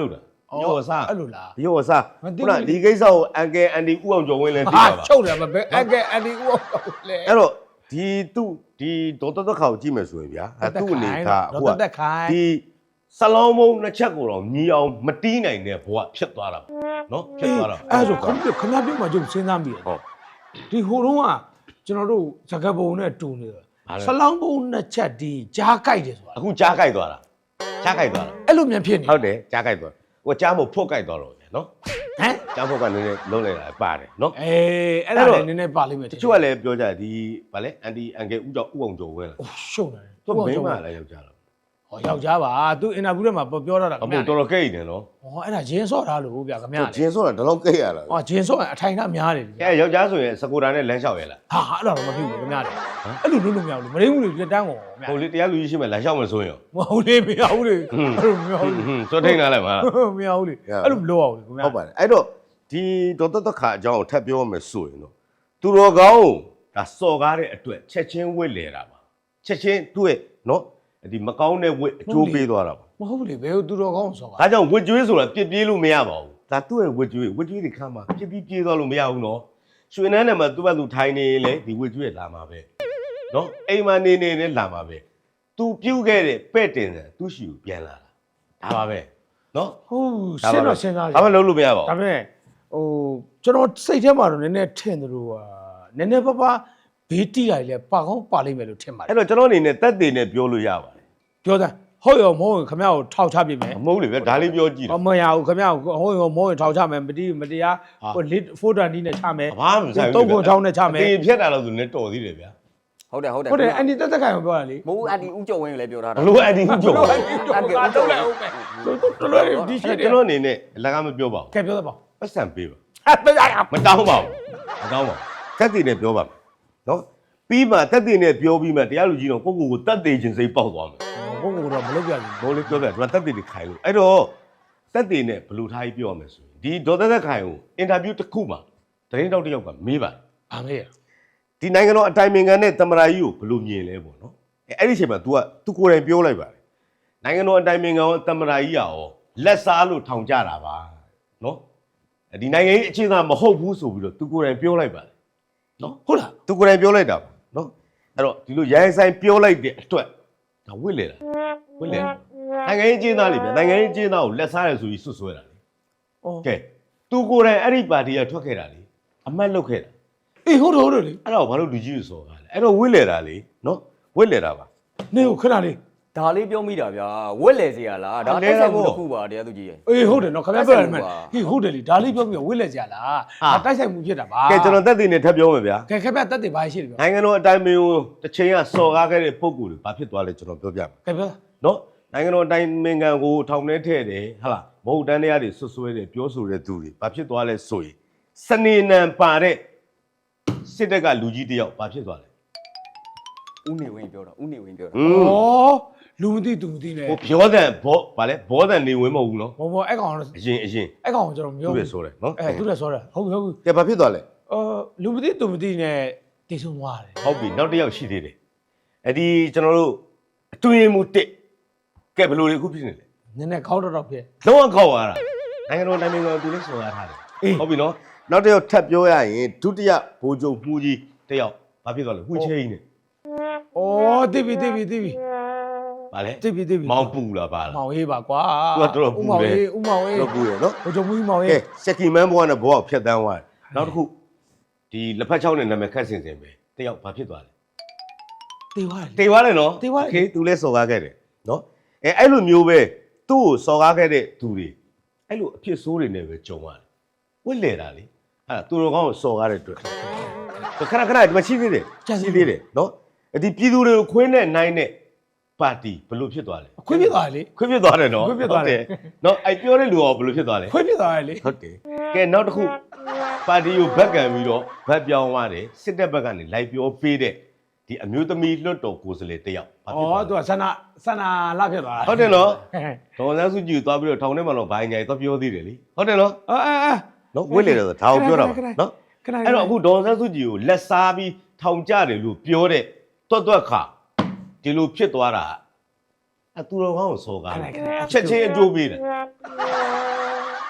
Speaker 2: ရော့စား
Speaker 1: အဲ့လိုလား
Speaker 2: ရော့စားခုနဒီကိစ္စကိုအန်ကယ်အန်ဒီဥအောင်ကျော်ဝင်းလည်းသိ
Speaker 1: ဟာ
Speaker 2: ပါပါ
Speaker 1: ချုပ်တယ်မပဲအကဲအန်ဒီဦးလေ
Speaker 2: အဲ့တော့ဒီဒေါ်တက်ခါကိုကြည့်မယ်ဆိုရင်ဗျာသူ့အနေထား
Speaker 1: ဒေါ်တက်ခိုင်
Speaker 2: ဒီဆလောင်းမုံနှစ်ချက်ကိုတော့ညီအောင်မတီးနိုင်တဲ့ဘဝဖြစ်သွားတာနော်ဖြစ်သွားတာ
Speaker 1: အဲ့ဆိုခင်ဗျားပြောမှကျုပ်စဉ်းစားမိတယ်
Speaker 2: ဟုတ်
Speaker 1: ဒီဟိုတုန်းကကျွန်တော်တို့ဇကပုံနဲ့တူနေတယ်ဆလောင်းပုံနှစ်ချက်ဒီကြားကြိုက်တယ်ဆိုတာ
Speaker 2: အခုကြားကြိုက်သွားတာကြားကြိုက်သွားတာ
Speaker 1: အဲ့လိုမြန်ဖြစ်နေ
Speaker 2: ဟုတ်တယ်ကြားကြိုက်သွားဟိုကြားမို့ဖွတ်ကြိုက်သွားတော့ဗျာနော်
Speaker 1: ဟမ်
Speaker 2: ကြားဖွတ်ကနည်းနည်းလုံးလိုက်တာပါတယ်နော်
Speaker 1: အေးအဲ့ဒါလည်းနည်းနည်းပါလိမ့်မယ်
Speaker 2: တချို့ကလည်းပြောကြဒီဗာလဲအန်တီအန်ကယ်ဥအောင်ကျော်ဝင်းလား
Speaker 1: ရှုံတယ်
Speaker 2: သူမိမလည်းယောက်ျားလား
Speaker 1: ဟောယောက်ျားပါသူအင်တာဗျူးထဲမှာပြောတာ
Speaker 2: အမို့တော်တော်ကိတ်နေနော်
Speaker 1: ဟောအဲ့ဒါဂျင်းဆော့ထားလို့ဗျခင်ဗျာ
Speaker 2: ဂျင်းဆိုတာဒီလောက်ကိတ်ရလား
Speaker 1: ဟောဂျင်းဆော့အထိုင်ကများတယ်
Speaker 2: အဲယောက်ျားဆိုရင်စကူတာနဲ့လမ်းလျှောက်ရလား
Speaker 1: ဟာအဲ့လိုတော့မဖြစ်ဘူးခင်ဗျာအဲ့လိုလုပ်လို့မရဘူးမရဘူးလေလက်တန်းကိုဗျာ
Speaker 2: ဟိုလေတရားလူကြီးရှိမှလမ်းလျှောက်မဆိုရင်
Speaker 1: မဟုတ်လေမရဘူးလေအဲ့လိုမရဘူး
Speaker 2: စောထိန်လာလိုက်ပါ
Speaker 1: မရဘူးလေအဲ့လိုမလုပ်အောင်လေခင်ဗျာ
Speaker 2: ဟုတ်ပါတယ်အဲ့တော့ဒီဒေါ်တက်ခါအကြောင်းကိုထပ်ပြောမယ်ဆိုရင်တော့သူတော်ကောင်းဒါစော်ကားတဲ့အတွက်ချက်ချင်းဝစ်လေတာပါချက်ချင်းသူ့ရဲ့နော်ဒီမကောင်းတဲ့ဝစ်အကျိုးပေးသွားတာပါ
Speaker 1: မဟုတ်လေဘယ်သူတော်ကောင်းဆော့ပါ
Speaker 2: ဒါကြောင့်ဝစ်ကျွေးဆိုတာပြစ်ပြေးလို့မရပါဘူးဒါသူ့ရဲ့ဝစ်ကျွေးတွေခါမှာပြစ်ပြီးပြေးသွားလို့မရဘူးနော်ရွှေနန်းနဲ့မှသူ့ဘက်သူထိုင်နေလေဒီဝစ်ကျွေးလာမှာပဲနော်အိမ်မှာနေနဲ့လာမှာပဲသူပြုတ်ခဲ့တဲ့ပဲ့တင်တယ်သူ့ရှိကိုပြန်လာတာဒါပါပဲနော်
Speaker 1: ဟုတ်စဉ်းတော့စဉ်းစား
Speaker 2: ဒါမှလုံးလို့မရပါ
Speaker 1: ဒါ
Speaker 2: ဘူး
Speaker 1: ပေမဲ့ဟိုကျွန်တော်စိတ်ထဲမှာတော့နည်းနည်းထင်သလိုဟာနည်းနည်းပါးပါးဘေးတိလိုက်လဲပါကောင်းပါလိမ့်မယ်လို့ထင်ပါတယ်
Speaker 2: အဲ့တော့ကျွန်တော်အနေနဲ့တက်တယ်နဲ့ပြောလို့ရပါတယ်
Speaker 1: ပြောသားဟုတ်ရောမဟုတ်ရင်ခင်ဗျားကိုထောက်ချပြမယ်
Speaker 2: မဟုတ်လေဗျဒါလေးပြောကြည့်တယ်
Speaker 1: မရဘူးခင်ဗျားကိုဟုတ်ရောမဟုတ်ရင်ထောက်ချမယ်မတိမတရားဟိုလစ်ဖိုတန်ဒီနဲ့ချမယ်
Speaker 2: ဘာမှမဆိုင်ဘူး
Speaker 1: တုံးကုန်ချောင်းနဲ့ချမယ်
Speaker 2: တေဖြတ်တာလို့ဆိုနေတော်သေးတယ်ဗျာ
Speaker 3: ဟုတ်တယ်
Speaker 1: ဟုတ်တယ်အန်ဒီတက်ခိုင်ကိုပြောတာလေ
Speaker 3: မဟုတ်အန်တီဦးကျော်ဝင်းလည်းပြောထား
Speaker 2: ဘ
Speaker 3: တာ
Speaker 2: လို့အန်ဒီဦးကျော်
Speaker 3: အန်တီဦးကျော်ဝင်း
Speaker 1: တော်တော်ဒီရှိ
Speaker 2: အဲ့
Speaker 1: တယ်
Speaker 2: ကျွန်တော်အနေနဲ့အလကားမပြောပါဘူး
Speaker 1: ကဲပြောသပါ
Speaker 2: ပတ်စံပေးပါ
Speaker 1: ဟာတရားရ
Speaker 2: မတောင်းပါဘူးမတောင်းပါဘူးတက်တယ်နဲ့ပြောပါမယ်နော်ပြီးမှတက်တယ်နဲ့ပြောပြီးမှတရားလူကြီးတော့ကိုကိုတက်တယ်ချင်းစိတ်ပေါက်သွားမယ်
Speaker 1: ဘုံကတော့မလုပ်ပြဘူး
Speaker 2: ဘိုးလေးပြောပြတယ်တက်တယ်တွေခိုင်လို့အဲ့တော့တက်တယ်နဲ့ဘလို့ထားကြီးပြောရမယ်ဆိုရင်ဒီဒေါ်သက်ခိုင်ကိုအင်တာဗျူးတစ်ခုမှာသတင်းတောက်တစ်ယောက်ကမေးပါတယ်
Speaker 1: ဘာမေးရ
Speaker 2: ဒီနိုင်ငံတော်အတိုင်ပင်ခံနဲ့တမရာကြီးကိုဘယ်လိုမြင်လဲပေါ့နော်အဲ့ဒီအချိန်မှာ तू ကိုယ်တိုင်ပြောလိုက်ပါတယ်နိုင်ငံတော်အတိုင်ပင်ခံရောတမရာကြီးရောလက်စားလို့ထောင်ကြတာပါနော်ဒီနိုင်ငံကြီးအခြေခံမဟုတ်ဘူးဆိုပြီးတော့ तू ကိုယ်တိုင်ပြောလိုက်ပါတယ်နော်
Speaker 1: ဟုတ်လား
Speaker 2: तू ကိုယ်တိုင်ပြောလိုက်တာပါနော်အဲ့တော့ဒီလိုရိုင်းဆိုင်ပြောလိုက်တဲ့အတွက်ဒါဝစ်လေတာဝစ်လေနိုင်ငံကြီးအခြေသားလေဗျနိုင်ငံကြီးအခြေသားကိုလက်စားရဆိုပြီးစွတ်ဆွဲတာလေ
Speaker 1: အော်
Speaker 2: ကဲ तू ကိုယ်တိုင်အဲ့ဒီပါတီကထွက်ခဲ့တာလေအမတ်လုပ်ခဲ့တာ
Speaker 1: အေးဟုတ်တယ်လေ
Speaker 2: အဲ့တော့ဘာလို့လူကြီးကိုစော်ကားလဲအဲ့တော့ဝစ်လေတာလေနော်ဝစ်လေတာပါ
Speaker 1: နေကိုခဏလေး
Speaker 3: ဒါလေးပြောမိတာဗျာဝက်လေစီရလားဒါတိုက်ဆိုင်မှုတစ်ခုပါတရားသူကြီးရဲ့
Speaker 1: အေးဟုတ်တယ်နော်ခင်ဗျားပြောရတယ်မယ်ဟေးဟုတ်တယ်လေဒါလေးပြောပြီးဝစ်လက်ကြလားဒါတိုက်ဆိုင်မှုဖြစ်တာပါ
Speaker 2: ကဲကျွန်တော်တက်တည်နေထပ်ပြောမယ်ဗျာ
Speaker 1: ကဲခင်ဗျာတက်တယ်ဘာရှိတယ်ပြော
Speaker 2: နိုင်ငံတော်အတိုင်ပင်ကိုတစ်ချိန်ကစော်ကားခဲ့တဲ့ပုံကူတွေဘာဖြစ်သွားလဲကျွန်တော်ပြောပြမယ်
Speaker 1: ကဲပြော
Speaker 2: နော်နိုင်ငံတော်အတိုင်ပင်ခံကိုထောင်ထဲထည့်တယ်ဟာလားမဟုတ်တန်းတရားတွေဆွဆွဲတယ်ပြောဆိုတဲ့သူတွေဘာဖြစ်သွားလဲဆိုရင်စနေနံပါတဲ့စစ်တပ်ကလူကြီးတယောက်ဘာဖြစ်သွားလဲ
Speaker 3: ဦးနေဝင်းပြောတာဦးနေဝင်းပြောတာ
Speaker 1: ဩလူမသိသူမသိနဲ့
Speaker 2: ဟိုပြောတဲ့ဘောဗာလဲဘောတဲ့နေဝင်မဟုတ်ဘူးနော်
Speaker 1: ဘောအဲ့ကောင်
Speaker 2: အရင်
Speaker 1: အဲ့ကောင်ကျွန်တော်မပြော
Speaker 2: သူ့
Speaker 1: ဘူး
Speaker 2: ရဲ့ဆိုတယ်နော်
Speaker 1: အဲသူလည်းဆောတာဟုတ်ပြီဟုတ်ပြီ
Speaker 2: ကဲဘာဖြစ်သွားလဲ
Speaker 1: လူမသိသူမသိနဲ့တည်ဆုံသွားတယ်
Speaker 2: ဟုတ်ပြီနောက်တစ်ယောက်ရှိသေးတယ်အဲ့ဒီကျွန်တော်တို့အတွင်းမှုတစ်ကဲဘယ်လိုလဲအခုဖြစ်နေလဲ
Speaker 1: နည်းနည်းခေါက်တော့ဖြစ်
Speaker 2: လုံးဝခောက်သွားတာနိုင်ငံတော်တိုင်းနိုင်ငံသူလေးဆိုရထားတယ်ဟုတ်ပြီနော်နောက်တစ်ယောက်ထပ်ပြောရရင်ဒုတိယဘိုးချုပ်မှုကြီးတစ်ယောက်ဘာဖြစ်သွားလဲဝှချဲကြီးနဲ့
Speaker 1: ဩတိပြီ
Speaker 2: ဗာလဲ
Speaker 1: တိပြီ
Speaker 2: မောင်ပူလာပါလား
Speaker 1: မောင်ဟေးပါကွာ
Speaker 2: သူကတော်တော်ပူတယ်
Speaker 1: ဦးမောင်ဟေး
Speaker 2: တော့ပူရနော်
Speaker 1: ဘုံချုံမူမောင်ဟေး
Speaker 2: ကဲစက်ကီမန်းဘွားနဲ့ဘွားကိုဖျက်တန်းသွားတယ်နောက်တစ်ခုဒီလက်ဖက်ချောင်းနဲ့နာမည်ခတ်စင်ပဲတစ်ယောက်ဘာဖြစ်သွားလဲ
Speaker 1: တေသွားတယ်
Speaker 2: တေသွားတယ်နော်
Speaker 1: တေသွားတယ်
Speaker 2: โอเคသူလဲစော်ကားခဲ့တယ်နော်အဲ့လိုမျိုးပဲသူ့ကိုစော်ကားခဲ့တဲ့သူတွေအဲ့လိုအဖြစ်ဆိုးတွေနဲ့ပဲကြုံရတယ်ဝစ်လေတာလေအဲ့သူတော်ကောင်းကိုစော်ကားတဲ့အတွက်ခဏဒီမှာရှိသေးတယ်ရှိသေးတယ်နော်ဒီပြည်သူတွေကိုခွင်းနဲ့နိုင်တဲ့ပါတီဘယ်လိုဖြစ်သွားလဲ
Speaker 1: ခွေးဖြစ်သွားတယ်လေ
Speaker 2: ခွင်းဖြစ်သွားတယ်နော်
Speaker 1: ခွင်းဖြစ်သွားတယ်
Speaker 2: နော်အဲ့ပြောတဲ့လူကဘယ်လိုဖြစ်သွားလဲ
Speaker 1: ခွေးဖြစ်သွားတယ်လေ
Speaker 2: ဟုတ်တယ်ကဲနောက်တစ်ခုပါတီကိုဘက်ကန်ပြီးတော့ဘက်ပြောင်းသွားတယ်စစ်တပ်ဘက်ကနေလိုက်ပြောပေးတဲ့ဒီအမျိုးသမီးလွတ်တော်ကိုယ်စားလှယ်တစ်ယောက်ဘာဖြစ်သွားလဲ
Speaker 1: သူကဆန္ဒလာဖြစ်သွားတာ
Speaker 2: ဟုတ်တယ်နော်ဒေါ်စန်းစုကြည်သွားပြီးတော့ထောင်ထဲမှာတော့ဘိုင်းညာသွားပြောသေးတယ်လीဟုတ်တယ်နော် နော်ဝစ်လေတယ်ဆိုဒါကိုပြောတာပါနော်
Speaker 1: ခဏ
Speaker 2: အဲ့တော့အခုဒေါ်စန်းစုကြည်ကိုလက်စားပြီးထောင်ကြတယ်လို့ပြောတဲ့တွတ်ခါဒီလိုဖြစ်သွားတာအတူတော်ကောင်းကိုစော်ကားတယ်ချက်ချင်းအကျိုးပေးတယ်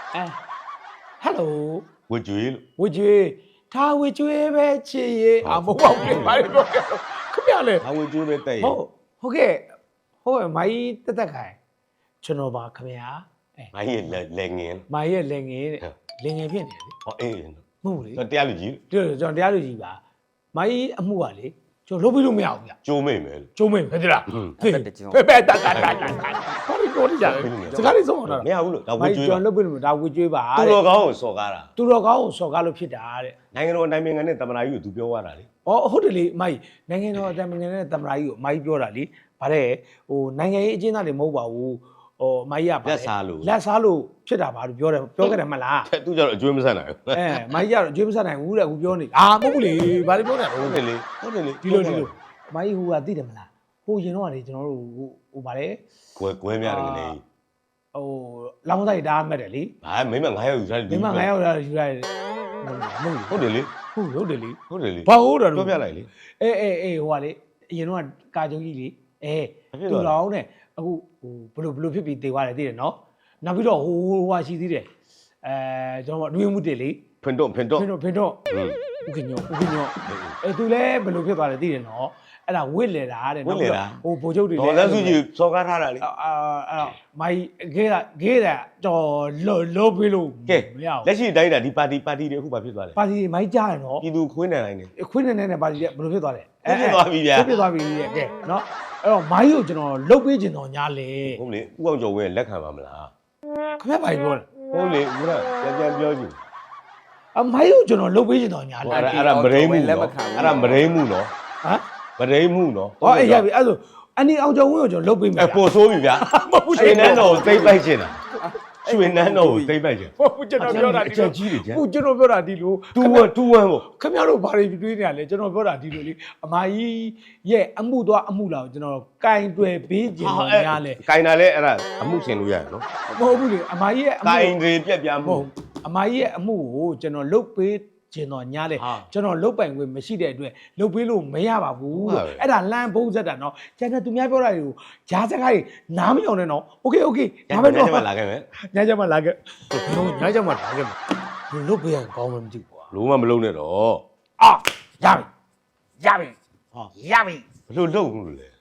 Speaker 1: hello
Speaker 2: ဝကြွေးလို့
Speaker 1: ဝကျွေးထားဝကျွေးပဲချစ်ရေအမဟုတ်ပါဘူးဘာလို့ပြောကြတော့ခင်ဗျာလေ
Speaker 2: ဒါဝကြွေးပဲတဲ့ရ
Speaker 1: ဟုတ်ကဲ့မိုင်းတက်ခိုင်ကျွန်တော်ပါခင်ဗျာ
Speaker 2: ငါရဲ့လက်ငင်း
Speaker 1: မိုင်းရဲ့လင်ငယ်တဲ့လင်ငယ်ဖြစ်နေတယ်
Speaker 2: ဟောအေး
Speaker 1: မဟုတ်လေ
Speaker 2: တရားလူကြီး
Speaker 1: ကျွန်တော်တရားလူကြီးပါမိုင်းအမှုကလေကျွန်တော်လုပ်ပြီးလို့မရဘူးဗျ
Speaker 2: ကျိုးမိတ်မယ်
Speaker 1: ကျုံးမင်းပဲလား
Speaker 3: တက်တကျော်
Speaker 1: ပဲတာဘာလို့ပြောနေကြလဲစကားလေးဆုံးအောင်တော့
Speaker 2: မရဘူးလို့ဒါဝ
Speaker 1: မိုင်း
Speaker 2: ကြွေး
Speaker 1: ကျွန်တော်လုပ်ပြီးလို့ဒါဝကျွေးပါ
Speaker 2: သူ
Speaker 1: တဲ့
Speaker 2: တော်ကောင်းကိုစော်ကားတာ
Speaker 1: သူတော်ကောင်းကိုစော်ကားလို့ဖြစ်တာတဲ့
Speaker 2: နိုင်ငံတော်နိုင်နိုင်ငံနဲ့တမနာကြီးကိုသူပြောရတာလေ
Speaker 1: ။အော်ဟုတ်တယ်လေမိုက်နိုင်ငံတော်အတိုင်ပင်ခံနဲ့တမရာကြီးကိုမိုက်ပြောတာလေ။ဗါတဲ့ဟိုနိုင်ငံရေးအကျဉ်းသားတွေမဟုတ်ပါဘူး။ဟိုမိုက်က
Speaker 2: လက်စားလို့
Speaker 1: လက်စားလို့ဖြစ်တာပါလို့ပြောခဲ့တယ်မလား
Speaker 2: သူကြတော့အကျွေးမဆက်နိုင်ဘူး
Speaker 1: ။မိုက်ကတော့အကျွေးမဆက်နိုင်ဘူးတဲ့အခုပြောနေ။အာမဟုတ်ဘူးလေ။ဗါလေပြောနေ
Speaker 2: ဟုတ်တယ်လေဟုတ်တယ်လေ
Speaker 1: ဒီလိုမိုက်ဟိုကသိတယ်မလား။ဟိုရင်တော့ကလေကျွန်တော်တို့ဟိုဗါလေ
Speaker 2: ကွဲများတယ်ကနေ
Speaker 1: ဟိုလောင်းဆိုင်တားမှတ်တယ်လေ
Speaker 2: ဘာမင်းမ9ရောက်ယူထားတယ်
Speaker 1: ။ဒီမှာ9ရောက်လာယူရတယ်။မဟုတ်
Speaker 2: ဟုတ်တယ်လေ
Speaker 1: ဘူးဟုတ်တယ်လေ
Speaker 2: ဟုတ်တယ်လေ
Speaker 1: ။ဘာဟုတ်တယ်
Speaker 2: ပြောပြလိုက်လေ
Speaker 1: အေးဟိုကလေအရင်တော့ကာကြုံကြီးလေသူတော်နဲ့အခုဟိုဘလို့ဖြစ်ပြီးတေသွားတယ်သိတယ်နော်နောက်ပြီးတော့ဟိုဟာရှိသေးတယ်ကျွန်တော်အတွင်းမှုတယ်လေ
Speaker 2: ဖင်တော့
Speaker 1: ဖင်တော့ဥကညောသူလည်းဘလို့ဖြစ်သွားတယ်သိတယ်နော်အဲ့ဒါဝစ်လေတာတဲ့ဟိုဗိုလ်ချုပ်တွေ
Speaker 2: ဒေါ်လက်စုကြီးစော်ကားထားတာလေ
Speaker 1: အဲ့တော့မိုင်းဂေးတာတော်လောပေးလို့
Speaker 2: ကဲ
Speaker 1: မရဘူး
Speaker 2: လက်ရှိတိုင်းတာဒီပါတီတွေအခုဘာဖြစ်သွားလဲ
Speaker 1: ပါတီမိုင်းကြားရနော်
Speaker 2: ပြည်သူခွေးနေတိုင်းနေ
Speaker 1: ခွင်းနေပါတီကဘလို့ဖြစ်သွားလဲ
Speaker 2: ဖြစ်သွားပြီဗျာ
Speaker 1: ဖြစ်သွားပြီကဲနော်အဲ့တော့မိုင်းကိုကျွန်တော်လုတ်ပေးခြင်းတော့ညာလေ
Speaker 2: ဟုတ်လေဥအောင်ကျော်ဝင်းလက်ခံပါမလား
Speaker 1: ခင်ဗျာဘာပြောလဲ
Speaker 2: ဟုတ်လေဦးကပြန်ပြောကြည့်
Speaker 1: အမိုင်းကိုကျွန်တော်လုတ်ပေးခြင်းတော့ညာလေ
Speaker 2: အဲ့ဒါမရိမှုနော်အဲ့ဒါမရိမှုနော်
Speaker 1: ဟမ်
Speaker 2: မရိမှုနော်
Speaker 1: ဟောအေးရပြီအဲ့ဆိုအနီအောင်ကျော်ဝင်းကိုကျွန်တော်လုတ်ပေးမယ်
Speaker 2: ပို့ဆိုးပြီဗျာ
Speaker 1: မဟုတ်
Speaker 2: ရွှေနန်းတော်ကိုသိမ့်ပိုက်ချင်တာရွှေနန်းတော်ကိုသိမ့်ပိုက်ချင်
Speaker 1: ဘူးကျွန်တော်ပြောတာဒီ
Speaker 2: အချက်ကြီးတွေကျန်
Speaker 1: ဟုတ်ကျွန်တော်ပြောတာဒီလို
Speaker 2: တူဝမ်းပေါ့
Speaker 1: ခင်ဗျားတို့ဘာတွေတွေးနေရလဲကျွန်တော်ပြောတာဒီလိုလေအမကြီးရဲ့အမှုသွားအမှုလာကိုကျွန်တော်ကင်တွယ်ပေးခြင်းတော့ညာလေ
Speaker 2: ကင်တာလဲအဲ့ဒါအမှုရှင်လို့ရတယ်နော်
Speaker 1: မဟုတ်ဘူးလေအမကြီးရဲ့အမှု
Speaker 2: ကင်တွေပြက်ပြား
Speaker 1: မ
Speaker 2: မှု
Speaker 1: ဟုတ်အမကြီးရဲ့အမှုကိုကျွန်တော်လုတ်ပေးခြင်းတော့ညာလေ
Speaker 2: ဟာ
Speaker 1: ကျွန်တော်လုတ်ပိုင်ခွင့်မရှိတဲ့အတွက်လုတ်ပေးလို့မရပါဘူး
Speaker 2: ဟုတ်ပါပဲ
Speaker 1: အဲ့ဒါလမ်းဘုံဆက်တာနော်ကျန်တဲ့သူများပြောတာတွေကိုဂျားစကားတွေနားမယောင်နဲ့နော်โอเค
Speaker 2: ဒါ
Speaker 1: ဒါ
Speaker 2: ပဲ
Speaker 1: ပဲ
Speaker 2: တော့
Speaker 1: တော့
Speaker 2: လာခဲ့မယ်
Speaker 1: ညချမ်းမလာခဲ့ညချမ်းမလာခဲ့လုတ်ပေးရင်ကောင်းမှမသိဘူးကွာ
Speaker 2: လုံးဝမလုံးနဲ့တော့
Speaker 1: အာရပြီ
Speaker 2: ဟာ
Speaker 1: ရပြီ
Speaker 2: ဘလို့လုံးလို့လဲ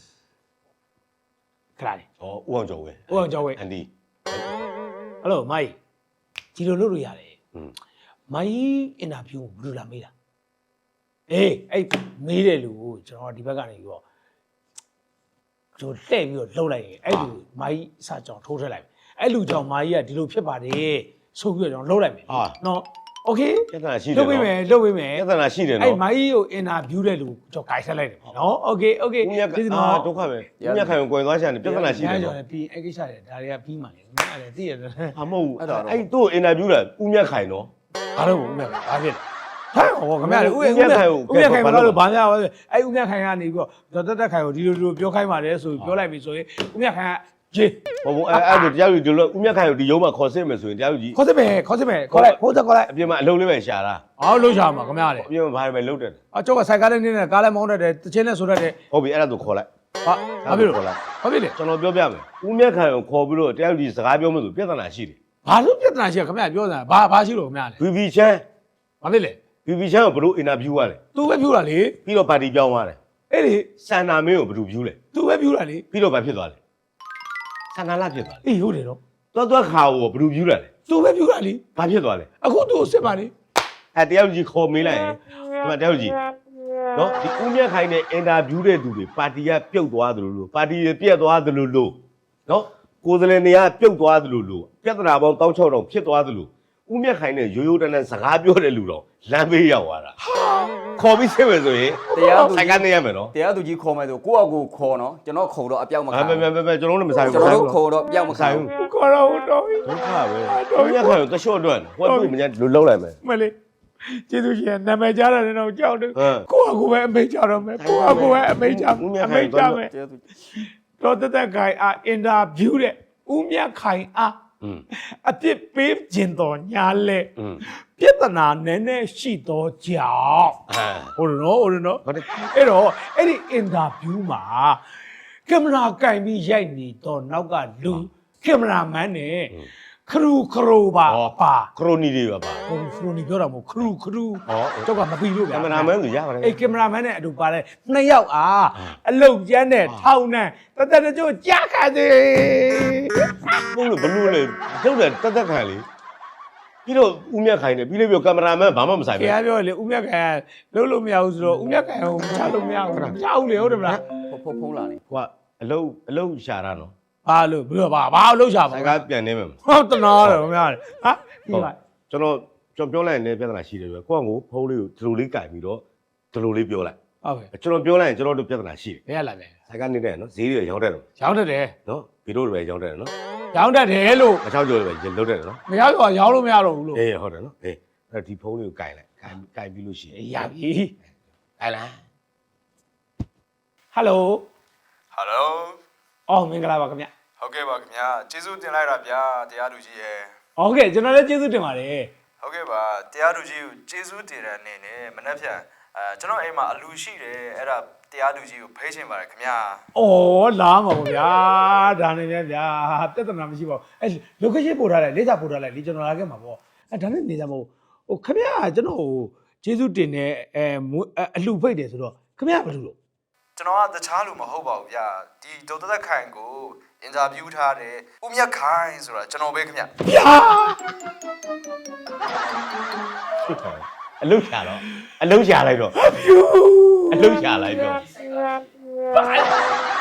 Speaker 1: ခလာလေ
Speaker 2: ဩဦးအောင်ကျော်ဝင်း
Speaker 1: ဦးအောင်ကျော်ဝင်း
Speaker 2: အန်ဒီ
Speaker 1: ဟယ်လိုမိုင်းဒီလိုလုပ်လို့ရတယ်
Speaker 2: อืม
Speaker 1: မိုင်းအင်တာဗျူးကိုဘယ်လိုလာမေးတာအေးအဲ့မေးတဲ့လူကိုကျွန်တော်ဒီဘက်ကနေပြီးတော့ကျွန်တော်လှည့်ပြီးတော့လှုပ်လိုက်ရင်အဲ့လူမိုင်းအစကြောင်ထိုးထည့်လိုက်အဲ့လူကြောင့်မိုင်းကဒီလိုဖြစ်ပါတယ်ဆိုပြီးတော့ကျွန်တော်လှုပ်လိုက်မယ်နော်โอเค
Speaker 2: ပြဿနာရှိတယ်
Speaker 1: လှုပ်ပေးမယ်လှုပ်ပေးမယ်
Speaker 2: ပြဿနာရှိတယ်
Speaker 1: အဲ့
Speaker 2: နော်
Speaker 1: မိုင်းကိုအင်တာဗျူးတဲ့လူကျွန်တော်ဂိုက်ဆက်လိုက်တယ်နော်โอเค
Speaker 2: ဦးမြတ်ဒုက္ခပဲဦးမြတ်ခိုင်ကိုကွယ်သွားချင်တယ်ပြဿနာရှိတယ်
Speaker 1: ကျွန်
Speaker 2: နော်
Speaker 1: တော်ပြီးအဲ့ကိစ္စတွေဒါတွေကပြီးမှလေငါလည်းသိရတယ်
Speaker 2: အမဟုတ်အဲ့တို့အင်တာဗျူးတာဦးမြတ်ခိုင်နော်
Speaker 1: ဘာလို့ဦးမြတ်ဘာဖြစ်လဲဟမ်ဟောခင်ဗျားလေဦးမြတ်ခိုင်ဘာလို့ဘာများပါလဲအဲ့ဦးမြတ်ခိုင်ကနေပြီးတော့ဒေါ်တက်ခိုင်ကိုဒီလိုပြောခိုင်းပါတယ်ဆိုပြောလိုက်ပြီဆိုရင်ဦးမြတ်ခိုင်ကဂျေး
Speaker 2: ဟုတ်ဘူးအဲ့ဒါတရားယူဒီလိုဦးမြတ်ခိုင်ကိုဒီရုံးမှာခေါ်စစ်မယ်ဆိုရင်တရားယူကြီး
Speaker 1: ခေါ်စစ်မယ်ခေါ်လိုက်ဟိုတက်ခေါ်လိုက်
Speaker 2: အပြင်မှာအလုံးလေးပဲရှာတာ
Speaker 1: အော်လှုပ်ရှားမှာခင်ဗျားလေ
Speaker 2: အပြင်မှာဘာတွေပဲလုံးတယ်
Speaker 1: အကျောက်ကစိုက်ကားနဲ့နေနဲ့ကားလည်းမောင်းတတ်တယ်တချင်းနဲ့ဆိုတတ်တယ်
Speaker 2: ဟုတ်ပြီအဲ့ဒါသူခေါ်လိုက်
Speaker 1: ဟာဘာဖြစ်လို့
Speaker 2: ခေါ်လိုက်
Speaker 1: ဘာဖြစ်လဲ
Speaker 2: ကျွန်တော်ပြောပြမယ်ဦးမြတ်ခိုင်ကိုခေါ်ပြီးတော့တရားယူကြီးစကားပြောမယ်ဆိုပြဿနာရှိတယ်
Speaker 1: ဘာလို့ပြဿနာရှိရခင်ဗျားပြောတာဘာရှိလို့ခင်ဗျားလေ
Speaker 2: BB ချမ်း
Speaker 1: ဘာဖြစ်လဲ
Speaker 2: BB ချမ်းကိုဘလို့အင်တာဗျူးရတယ်
Speaker 1: သူပဲပြောတာလေ
Speaker 2: ပြီးတော့ပါတီပြောင်းသွားတယ်
Speaker 1: အဲ့လေ
Speaker 2: စန္နာမင်းကိုဘလို့ဗျူးလဲ
Speaker 1: သူပဲပြောတာလေ
Speaker 2: ပြီးတော့ဘာဖြစ်သွားလဲစန္နာလာဖြစ်သွားတယ်
Speaker 1: အေးဟုတ်တယ်တော့
Speaker 2: သွားခါကိုဘလို့ဗျူးလာလဲ
Speaker 1: သူပဲပြောတာလေ
Speaker 2: ဘာဖြစ်သွားလဲ
Speaker 1: အခုသူ့ကိုစစ်ပါလေ
Speaker 2: အဲတရားယူကြီးခေါ်မေးလိုက်ရင်ဒီမှာတရားယူကြီးနော်ဒီဦးမြတ်ခိုင်နဲ့အင်တာဗျူးတဲ့သူတွေပါတီကပြုတ်သွားသလိုလိုပါတီတွေပြက်သွားသလိုလိုနော်ကိုယ်စလင်တွေကပြုတ်သွားသလိုလိုပြဿနာပေါင်း16000ဖြစ်သွားသလိုဦးမြတ်ခိုင်နဲ့ရိုးရိုးတန်းတန်းစကားပြောတဲ့လူတော့လမ်းဘေးရောက်သွားတာခေါ်ပြီးစစ်မယ်ဆိုရင်
Speaker 3: တရားသူ
Speaker 2: ဆိုင်ကနေရမယ်နော်
Speaker 3: တရားသူကြီးခေါ်မယ်ဆိုကိုယ့်အကိုခေါ်နော်ကျွန်တော်ခေါ်တော့အပြောက်မခံ
Speaker 2: အဲမဲကျွန်တော်တို့မဆိုင်ဘူး
Speaker 3: ကျွန်တော်တို့ခေါ်တော့ပြောက်မခံ
Speaker 2: ဆိုင်
Speaker 3: ဘူး
Speaker 2: ဘူး
Speaker 1: ခေါ်တော့တော့
Speaker 2: ဒုက္ခပဲဦးမြတ်ခိုင်ကိုတရှော့အတွက်ဟိုကတွေ့မညာလုံးလိုက်မယ်
Speaker 1: မလေးကျေးဇူးရှင်နာမည်ကြားတယ်တော့ကြောက်တယ်
Speaker 2: ဟမ်
Speaker 1: ကိုယ့်အကူပဲအမိတ်ကြတော့မယ်ကိုယ့်အကူပဲအမိတ်ကြ
Speaker 2: ဦးမြတ်
Speaker 1: အ
Speaker 2: ခို
Speaker 1: မိ
Speaker 2: င်
Speaker 1: တ်ကြမယ်
Speaker 3: တရားသူကြီး
Speaker 1: တော့တက်ခိုင်အားအင်တာဗျူးတဲ့ဦးမြတ်ခိုင်အား
Speaker 2: อืม
Speaker 1: အပြစ်ပေးခြင်းတော်ညာလဲ
Speaker 2: อืม
Speaker 1: ပြဿနာနည်းနည်းရှိတော့ကြောင်
Speaker 2: အာ
Speaker 1: ဟုတ်တယ်နော်
Speaker 2: ဟုတ်တယ်
Speaker 1: အဲ့တော့အဲ့ဒီအင်တာဗျူးမှာကင်မရာကင်ပြီးရိုက်နေတော့နောက်ကလူကင်မရာမန်နဲ့ခရူခရိုပါပါ
Speaker 2: ခရိုနီတွေပါ
Speaker 1: ဟိုခရိုနီပြောတာမဟုတ်ခရူခရူ
Speaker 2: ဟော
Speaker 1: ကျောက်ကမပြီးလို့ဗျာ
Speaker 2: ကင်မရာမန်ဆိုရပါတယ်
Speaker 1: အေးကင်မရာမန်နဲ့အတူပါတယ်နှစ်ယောက်အလုတ်ကျန်းနဲ့ထောင်းနဲ့တသက်တကြိုးကြားခါသေး
Speaker 2: ပုံလို့ဘလို့လေကျုပ်တယ်တက်ခံလေပြီးတော့ဦးမြတ်ခိုင်နေပြီးလို့ပြောကင်မရာမန်ဘာမှမဆိုင်
Speaker 1: ခင်
Speaker 2: ဘူး
Speaker 1: ဗျားပြောလေဦးမြတ်ခိုင်လုံးလို့မရဘူးဆိုတော့ဦးမြတ်ခိုင်ကိုမချလို့မရဘူးမချဘူးလေဟုတ်တယ်မလား
Speaker 3: ဖုံးလာနေ
Speaker 2: ဟိုကအလုံးရှာတာနော်
Speaker 1: ဘာလို့ဘယ်လိုဘာအလုပ်ရှာပါ
Speaker 2: ဆိုင်ကပြန်နေမယ်
Speaker 1: ဟုတ်တနာတယ်ခင်ဗျားဟာဒီမှာ
Speaker 2: ကျွန်တော်ပြောလိုက်ရင်လည်းပြဿနာရှိတယ်ပဲကိုယ့်ကိုဖုန်းလေးကိုဒီလိုလေးကင်ပြီးတော့ဒီလိုလေးပြောလိုက်
Speaker 1: ဟုတ်ကဲ့
Speaker 2: ကျွန်တော်ပြောလိုက်ရင်ကျွန်တော်တို့ပြဿနာရှိတယ်
Speaker 1: ဘယ်ရလာလဲ
Speaker 2: ဆိုင်ကနေနော်ဈေးတွေရောင်းတယ်နော်
Speaker 1: ရောင်းတတ်တယ်
Speaker 2: နော်ဗီဒီယိုတွေပဲရောင်းတယ်နော်
Speaker 1: ရောင်းတတ်တယ်လို့
Speaker 2: အချောက်ကျော်တွေပဲလုပ်တယ်နော်
Speaker 1: မရတော့ရောင်းလို့မရတော့ဘူးလို့
Speaker 2: အေးဟုတ်တယ်နော်အေးအဲ့ဒီဖုန်းလေးကိုကင်လိုက်ကင်ပြီးလို့ရှိရင်
Speaker 1: ရပြီ
Speaker 2: ကင်လိုက်
Speaker 1: ဟယ်လို
Speaker 4: ဟယ်လို
Speaker 1: အော်မင်္ဂလာပါခင်ဗျ
Speaker 4: ဟုတ်ကဲ့ပါခင်ဗျာကျေးဇူးတင်လိုက်တာဗျာတရားသူကြီးရယ်
Speaker 1: ဟုတ်ကဲ့ကျွန်တော်လည်းကျေးဇူးတင်ပါတယ်
Speaker 4: ဟုတ်ကဲ့ပါတရားသူကြီးကိုကျေးဇူးတင်တဲ့အနေနဲ့မနေ့ဖြန်ကျွန်တော်အိမ်မှာအလူရှိတယ်အဲ့ဒါတရားသူကြီးကိုဖိတ်ချင်ပါတယ်ခင်ဗျာ
Speaker 1: အော်လာမှာပေါ့ဗျာဒါနဲ့ဗျာပြဿနာမရှိပါဘူးအဲ location ပို့ထားလိုက်လေးစားပို့ထားလိုက်လေကျွန်တော်လာခဲ့မှာပေါ့အဲဒါနဲ့နေကြမဟုတ်ဟိုခင်ဗျာကျွန်တော်ကျေးဇူးတင်တဲ့အလှဖိတ်တယ်ဆိုတော့ခင်ဗျာဘာလို့လို့
Speaker 4: ကျွန်တော်ကတခြားလူမဟုတ်ပါဘူးဗျာဒီဒေါက်တာသက်ခိုင်ကိုအင်တာဗျူးထားတယ်ဦးမြတ်ခိုင်ဆိုတာကျွန်တော်ပဲခင်ဗျာ
Speaker 1: ဗျာ
Speaker 2: အလုံးရှာတော့အလုံးရှာလိုက်တော့
Speaker 1: ဖြူ
Speaker 2: အလုံးရှာလိုက်တော့
Speaker 1: ဘာ